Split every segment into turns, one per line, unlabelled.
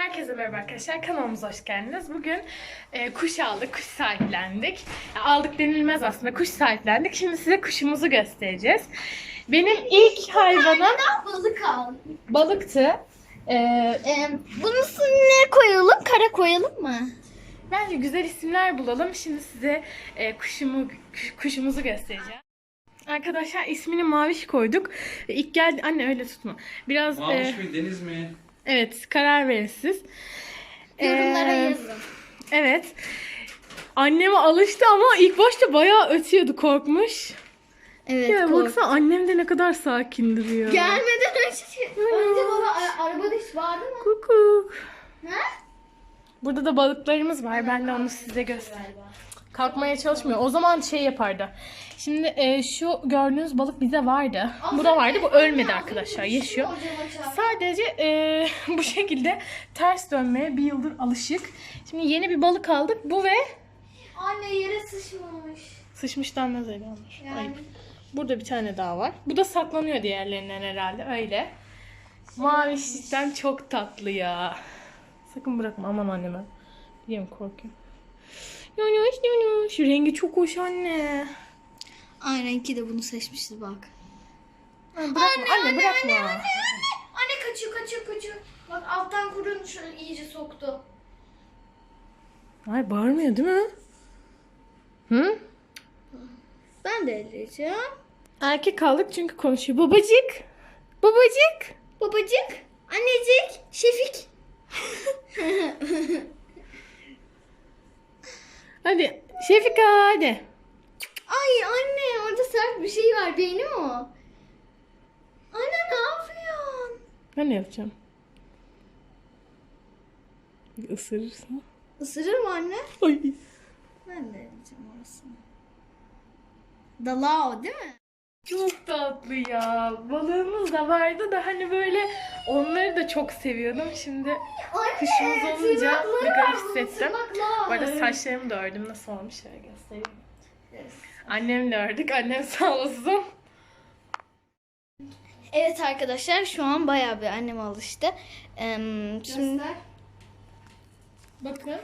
Herkese merhaba arkadaşlar. Kanalımıza hoş geldiniz. Bugün kuş aldık, kuş sahiplendik. Aldık denilmez aslında, kuş sahiplendik. Şimdi size kuşumuzu göstereceğiz. Benim ilk hayvanım
Balık al.
balıktı.
Bunun ne koyalım? Kara koyalım mı?
Bence güzel isimler bulalım. Şimdi size kuşumuzu göstereceğim. Arkadaşlar ismini Maviş koyduk. İlk geldi... Anne öyle tutma. Biraz...
Maviş mi, deniz mi?
Evet, karar verin siz.
Yorumlara yazın.
Evet. Anneme alıştı ama ilk başta bayağı ötüyordu, korkmuş.
Evet.
Ya baksana, annem de ne kadar sakin duruyor.
Gelmeden önce baba arabada hiç vardı mı?
Kukuk.
Ne?
Burada da balıklarımız var. Ben de onu size göstereyim. Kalkmaya çalışmıyor. O zaman şey yapardı. Şimdi şu gördüğünüz balık bize vardı. Bu da vardı. Bu ölmedi arkadaşlar. Yaşıyor. Sadece bu şekilde ters dönmeye bir yıldır alışık. Şimdi yeni bir balık aldık. Bu ve
Anne yere sıçmamış.
sıçmış denmez öyle olmuş.
Yani.
Ayıp. Burada bir tane daha var. Bu da saklanıyor diğerlerinden herhalde. Öyle. Mavi cidden çok tatlı ya. Sakın bırakma. Aman anneme. Biliyorum, korkuyorum. Şu rengi çok hoş anne.
Aynen ki de bunu seçmişiz bak.
Bırakma anne, bırakma.
Anne kaçıyor. Bak alttan kurun şöyle iyice soktu.
Ay bağırmıyor değil mi? Hı?
Ben de elleyeceğim.
Erkek aldık çünkü konuşuyor. Babacık. Babacık.
Babacık, annecik, Şefik.
Hadi Şefika hadi.
Ay anne orada sert bir şey var. Beyni mi o? Anne ne yapıyorsun?
Ben ne yapacağım? Bir ısırırsa.
Isırır mı anne?
Ay.
Ben de yiyeceğim orasını. Dalao değil mi?
Çok tatlı ya. Balığımız da vardı da hani böyle onları da çok seviyordum. Şimdi kuşumuz olunca bir garip hissettim. Bu arada saçlarımı da ördüm. Nasıl olmuş şöyle göstereyim. Annemle ördük. Annem sağ olsun.
Evet arkadaşlar şu an bayağı bir annem alıştı. Şimdi
Bakın.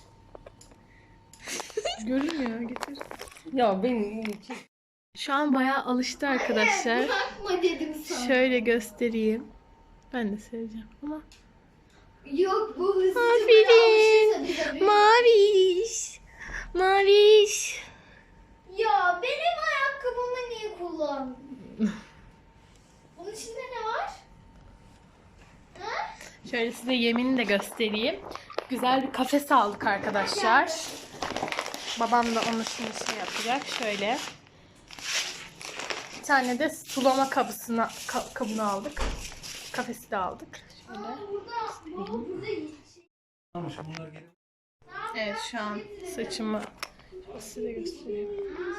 Görünmüyor. Getir. Ya benim şu an bayağı alıştı arkadaşlar.
bırakma dedim sana.
Şöyle göstereyim. Ben de seveceğim ama.
Yok bu hızlıca
Aferin. Maviş. Maviş.
Ya benim ayakkabımı niye kullandın? Bunun içinde ne var? Ha?
Şöyle size yemini de göstereyim. Güzel bir kafes aldık arkadaşlar. Babam da onu şimdi şey yapacak. Şöyle. Bir tane de sulama kabını aldık. Kafesi de aldık. Şöyle.
Burada
Ama şu bunlar gelip
Evet, şu an saçımı size göstereyim.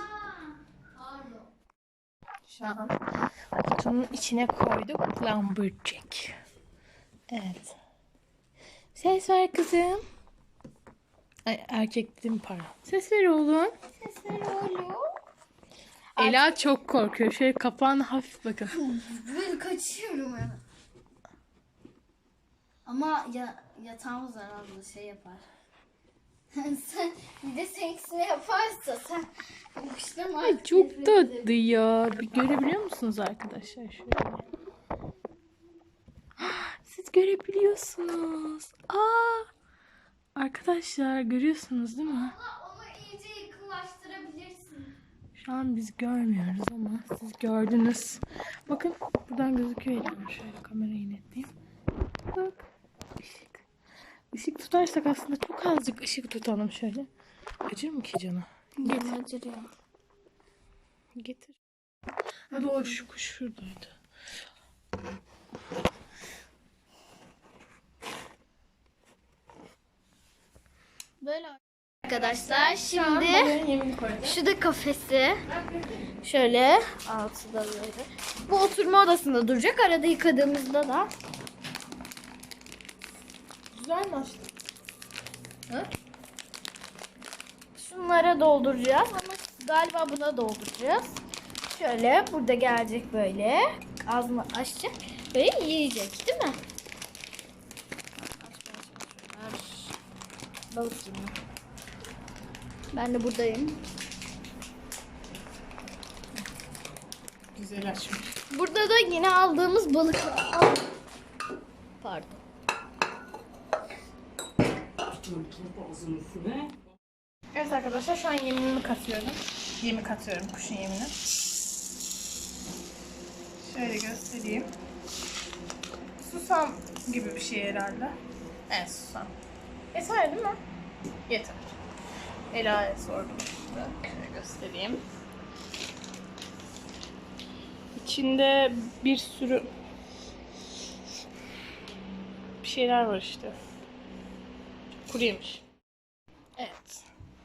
Şu an kutunun içine koyduk lumberjack. Evet. Ses ver kızım. Ay, erkek dedim, pardon. Ses ver oğlum.
sesler oluyor.
Ela çok korkuyor. Şöyle kapağını hafif bakın.
Ben kaçıyorum hemen. Ama yatağımız herhalde şey yapar. Sen bir de seninkisini yaparsa sen kuşlama.
Ay, çok tatlı ya. Bir görebiliyor musunuz arkadaşlar? Şöyle. Siz görebiliyorsunuz. Arkadaşlar görüyorsunuz değil mi?
Onu iyice yakınlaştırabilirsin.
Şu an biz görmüyoruz ama siz gördünüz. Bakın buradan gözüküyor elim. Şöyle kamerayı netleyeyim. Bak. Işık. Işık tutarsak aslında çok azıcık ışık tutalım şöyle. Acır mı ki canı?
Acırıyor.
Getir. Ha doğru, şu kuş şuradaydı.
Böyle arkadaşlar
Şu an
şimdi
balığın yemini koydum.
şu da kafesi. Şöyle altı da böyle. Bu oturma odasında duracak. Arada yıkadığımızda da.
Güzel mi açtın?
Şunlara dolduracağız ama galiba buna dolduracağız. Şöyle burada gelecek böyle. Ağzını açacak. Böyle yiyecek değil mi?
Balık yemi.
Ben de buradayım.
Güzel açmış.
Burada da yine aldığımız balık var. Al. Pardon.
Evet arkadaşlar şu an yemimi katıyorum. Yemi katıyorum, kuşun yemini. Şöyle göstereyim. Susam gibi bir şey herhalde. Evet, susam. Yeter değil mi? Yeter. Ela'ya sordum işte. Şöyle göstereyim. İçinde bir sürü bir şeyler var işte. Kuru yemiş. Evet.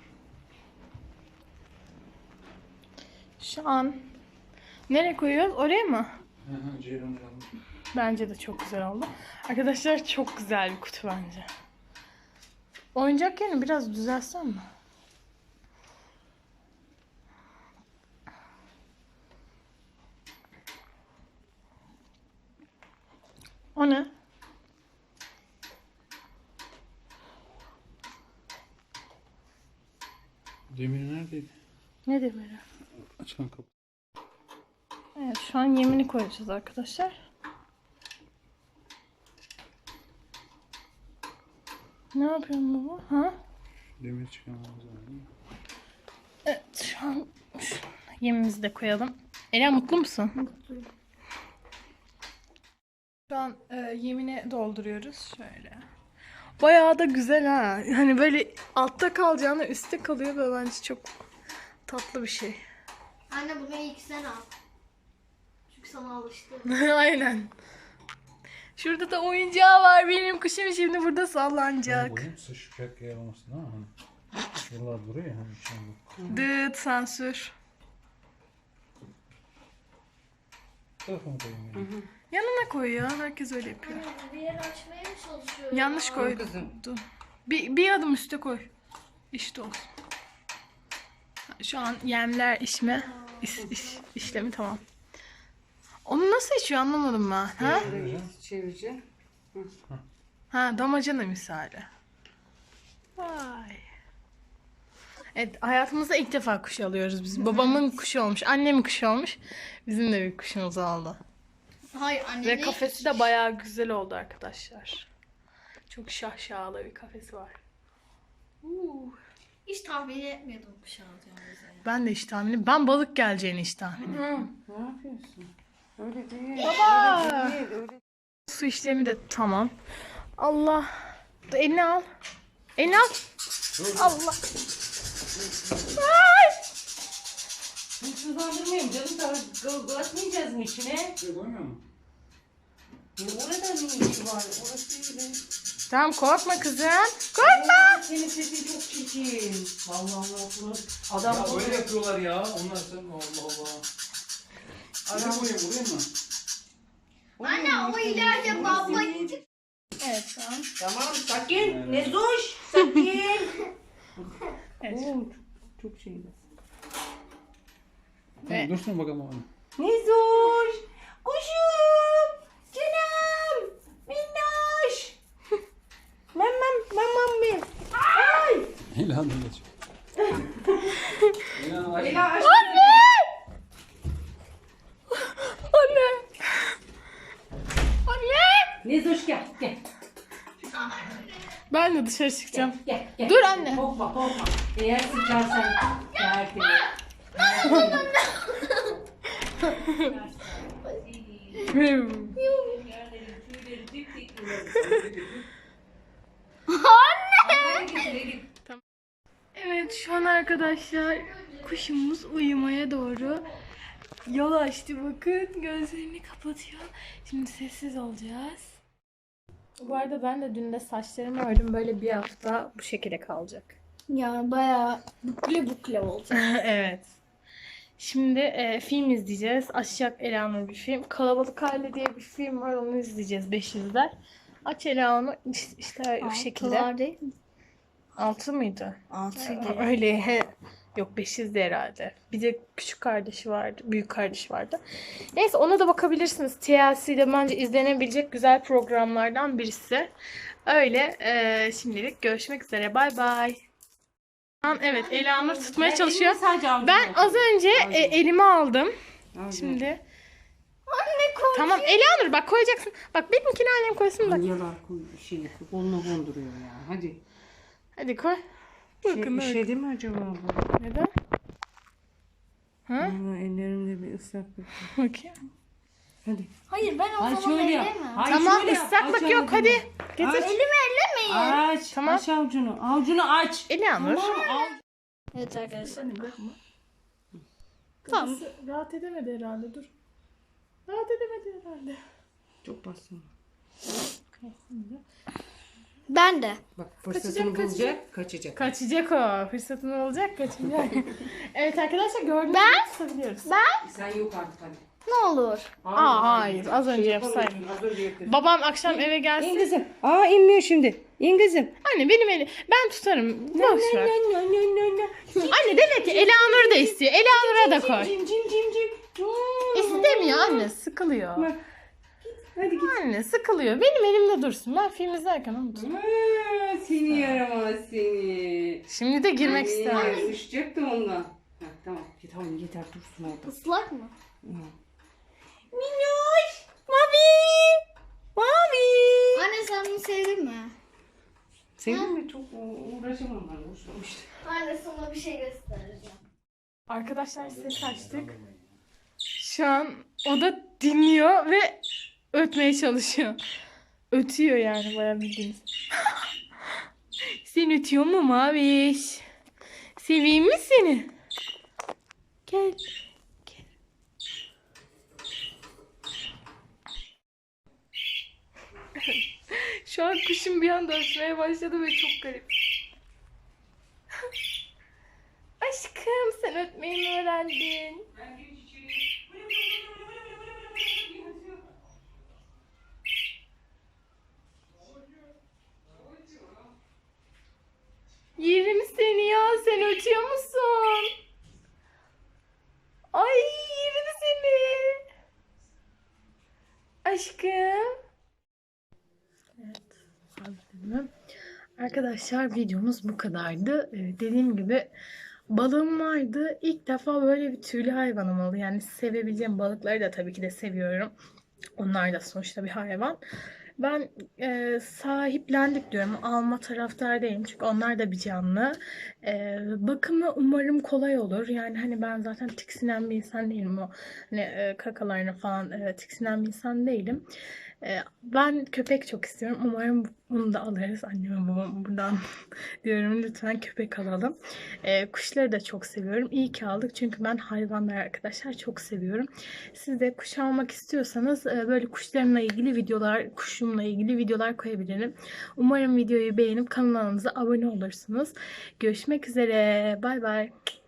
Şu an nereye koyuyoruz? Oraya mı?
Ceylan.
Bence de çok güzel oldu. Arkadaşlar çok güzel bir kutu bence. Oyuncak yerini biraz düzeltsem mi? O ne?
Demir neredeydi?
Ne demiri?
Açan kapı.
Evet, şu an yemini koyacağız arkadaşlar. Ne yapıyorsun baba? Ha?
Demir çıkamamız lazım.
Evet, şu an yemimizi de koyalım. Ela mutlu musun?
Mutluyum.
Şu an yemini dolduruyoruz şöyle. Bayağı da güzel ha. Hani böyle altta kalacağına üstte kalıyor ve bence çok tatlı bir şey.
Anne bunu ilk sen al. Çünkü sana alıştı.
Aynen. Şurada da oyuncağı var benim kuşum şimdi burada sallanacak.
Boyun sıçacak yer olmasın değil mi? Hani şuralar duruyor ya. Hani içine
Dıt sansür.
telefon koyayım yani.
Yanına koy ya. Herkes öyle yapıyor.
Bir yer açmaya mı çalışıyorum?
Yanlış koydum. Dur. Bir adım üste koy. İşte olsun. Şu an yemler işlemi tamam. Onu nasıl içiyor anlamadım ben. Ha?
Çevireceğim.
Ha, damacana misali. Vay. Evet, hayatımızda ilk defa kuş alıyoruz biz. Babamın kuşu olmuş, annemin kuşu olmuş. Bizim de bir kuşumuz oldu.
Hayır anne.
Ve kafesi de bayağı güzel oldu arkadaşlar. Çok şahşalı bir kafesi var.
Hiç tahmin etmiyordum kuş alacağımızı.
Ben de hiç tahminim. Ben balık geleceğini hiç tahmin.
Ne yapıyorsun? Öyle değil.
Baba!
Öyle değil. Öyle.
Su işlemi de tamam. Allah. Dur, elini al. Elini al. Allah. Ay!
Hırsızlandırmayayım canım. Atmayacağız mı içine?
Şey koymuyor mu?
Orada ne işi var? Orası öyle.
Tamam korkma kızım. Korkma.
Senin sesin çok çirkin. Vallahi Allah. Adam
Ya öyle yapıyorlar ya. Onlar sen Allah Allah. Nereye koyayım buraya mı?
Anne o ileride baba.
Evet tamam.
Tamam sakin. Ne zoş. Sakin.
Evet.
Oo, çok şeydi.
Evet.
Dursun bakalım onu.
Ne zoş. Kuşum. Canım. Minnoş. Mamam mi? Ay.
İlan da geç. İlan aç.
Ela aç.
Anne! Anne! Anne!
Ne zoş gel. Gel.
Ben de dışarı çıkacağım.
Gel.
Dur anne.
Korkma. Eğer sıçarsan tertemiz.
Evet şu an arkadaşlar kuşumuz uyumaya doğru yol açtı bakın gözlerini kapatıyor. Şimdi sessiz olacağız. Bu arada ben de dün de saçlarımı ördüm böyle bir hafta bu şekilde kalacak.
Yani bayağı bukle olacak.
Evet. Şimdi film izleyeceğiz. Aşacak Ela'nın bir film. Kalabalık Aile diye bir film var onu izleyeceğiz 500'ler. Aç Ela'nı işte bu şekilde.
Altılar değil mi?
6 mıydı?
Altıydı.
Öyle Yok 5'izdi herhalde. Bir de küçük kardeşi vardı. Büyük kardeşi vardı. Neyse ona da bakabilirsiniz. TLC'de bence izlenebilecek güzel programlardan birisi. Öyle şimdilik görüşmek üzere. Bay bay. Evet Elanur tutmaya çalışıyor. Ben az önce elime aldım. Şimdi.
Anne koy.
Tamam Elanur bak koyacaksın. Bak benimkini annem koysun bak.
Yalar koluna konduruyor ya. Hadi.
Hadi koy. Bakın
Şey,
öyle.
değil mi acaba bu?
Neden? Ha?
Ama ellerimde bir ıslaklık var.
Bakayım.
Hadi.
Hayır ben o
Ay
zaman
şöyle yap.
ellemem.
Ay
Tamam
şöyle yap.
ıslaklık
Aç
yok
avucunu.
hadi. Getir.
Aç.
Elimi ellemeyin.
Aç.
Tamam.
Aç avucunu. Avucunu aç.
Elanur.
Tamam.
Evet arkadaşlar.
Tamam. Rahat edemedi herhalde dur. Rahat edemedi herhalde.
Çok bastın.
Ben de.
Bak fırsatını
Kaçacak,
bulacak. Kaçacak.
Kaçacak o. Fırsatın olacak kaçacak. Evet arkadaşlar gördüğünüz gibi tutabiliyoruz.
Sen yok artık hadi.
Ne olur.
Hayır az önce yapsaydım.
yapamıyorsun, az önce yaptın.
Babam akşam eve
İn
gelsin.
kızım. Aa inmiyor şimdi. İn kızım.
Anne benim elim. Ben tutarım. Boş ver. Anne demek ki Elanur da istiyor. Elanur'a da koy.
Cim cim cim cim.
İstemiyor anne. Sıkılıyor.
Bak. Hadi git.
Anne sıkılıyor. Benim elimde dursun. Ben film izlerken onu tutarım.
Seni yaramaz seni.
Şimdi de girmek istemem.
Sıçacak da ondan. Ha, tamam. Tamam yeter dursun orada.
Islak mı?
Minnoş. Mavi. Mavi.
Anne sen bunu sevdin mi?
Sevdin mi? Çok uğraşamam ben. Uğraşmamıştım.
Anne sana bir şey göstereceğim.
Arkadaşlar ses açtık. Şu an o da dinliyor ve ötmeye çalışıyor. Ötüyor yani bayağı bildiğiniz. Sen ötüyor mu Maviş? Seveyim mi seni? Gel. Gel. Şu an kuşum bir anda ötmeye başladı ve çok garip. Aşkım sen ötmeyi mi öğrendin? Yerim seni ya. Sen ötüyor musun? Ay yerim seni. Aşkım. Evet. Hazırım. Arkadaşlar videomuz bu kadardı. Dediğim gibi balığım vardı. İlk defa böyle bir tüylü hayvanım oldu. Yani sevebileceğim balıkları da tabii ki de seviyorum. Onlar da sonuçta bir hayvan. Ben sahiplendik diyorum. Alma taraftar değilim. Çünkü onlar da bir canlı. Bakımı umarım kolay olur. Yani hani ben zaten tiksinen bir insan değilim. O hani kakalarına falan tiksinen bir insan değilim. Ben köpek çok istiyorum. Umarım bunu da alırız. Anneme babam buradan diyorum. Lütfen köpek alalım. Kuşları da çok seviyorum. İyi ki aldık. Çünkü ben hayvanları arkadaşlar çok seviyorum. Siz de kuş almak istiyorsanız böyle kuşlarımla ilgili videolar, kuşumla ilgili videolar koyabilirim. Umarım videoyu beğenip kanalımıza abone olursunuz. Görüşmek üzere. Bay bay.